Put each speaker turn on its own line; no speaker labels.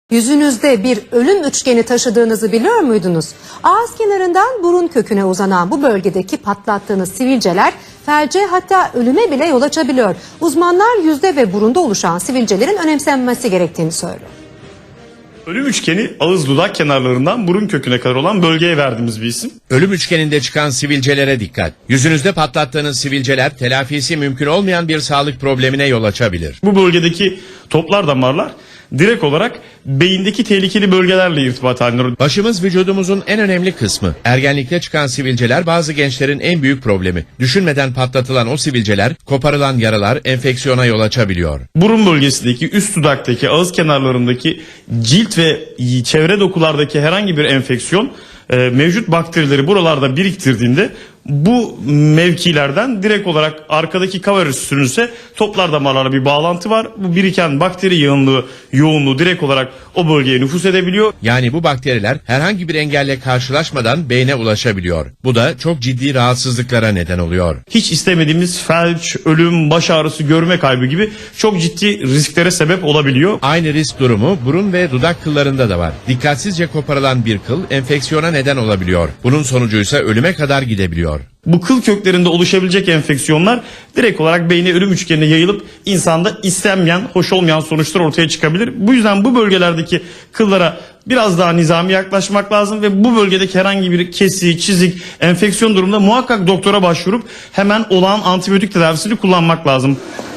Yüzünüzde bir ölüm üçgeni taşıdığınızı biliyor muydunuz? Ağız kenarından burun köküne uzanan bu bölgedeki patlattığınız sivilceler felce, hatta ölüme bile yol açabiliyor. Uzmanlar yüzde ve burunda oluşan sivilcelerin önemsenmesi gerektiğini söylüyor.
Ölüm üçgeni ağız dudak kenarlarından burun köküne kadar olan bölgeye verdiğimiz bir isim.
Ölüm üçgeninde çıkan sivilcelere dikkat. Yüzünüzde patlattığınız sivilceler telafisi mümkün olmayan bir sağlık problemine yol açabilir.
Bu bölgedeki toplar damarlar direkt olarak beyindeki tehlikeli bölgelerle irtibat halinde.
Başımız vücudumuzun en önemli kısmı. Ergenlikte çıkan sivilceler bazı gençlerin en büyük problemi. Düşünmeden patlatılan o sivilceler, koparılan yaralar enfeksiyona yol açabiliyor.
Burun bölgesindeki, üst dudaktaki, ağız kenarlarındaki cilt ve çevre dokulardaki herhangi bir enfeksiyon mevcut bakterileri buralarda biriktirdiğinde bu mevkilerden direkt olarak arkadaki kavarüs sürünse toplar damarlarla bir bağlantı var. Bu biriken bakteri yoğunluğu direkt olarak o bölgeye nüfuz edebiliyor.
Yani bu bakteriler herhangi bir engelle karşılaşmadan beyne ulaşabiliyor. Bu da çok ciddi rahatsızlıklara neden oluyor.
Hiç istemediğimiz felç, ölüm, baş ağrısı, görme kaybı gibi çok ciddi risklere sebep olabiliyor.
Aynı risk durumu burun ve dudak kıllarında da var. Dikkatsizce koparılan bir kıl enfeksiyona neden olabiliyor. Bunun sonucuysa ölüme kadar gidebiliyor.
Bu kıl köklerinde oluşabilecek enfeksiyonlar direkt olarak beyne ölüm üçgenine yayılıp insanda istenmeyen, hoş olmayan sonuçlar ortaya çıkabilir. Bu yüzden bu bölgelerdeki kıllara biraz daha nizami yaklaşmak lazım ve bu bölgedeki herhangi bir kesi, çizik, enfeksiyon durumunda muhakkak doktora başvurup hemen olağan antibiyotik tedavisini kullanmak lazım.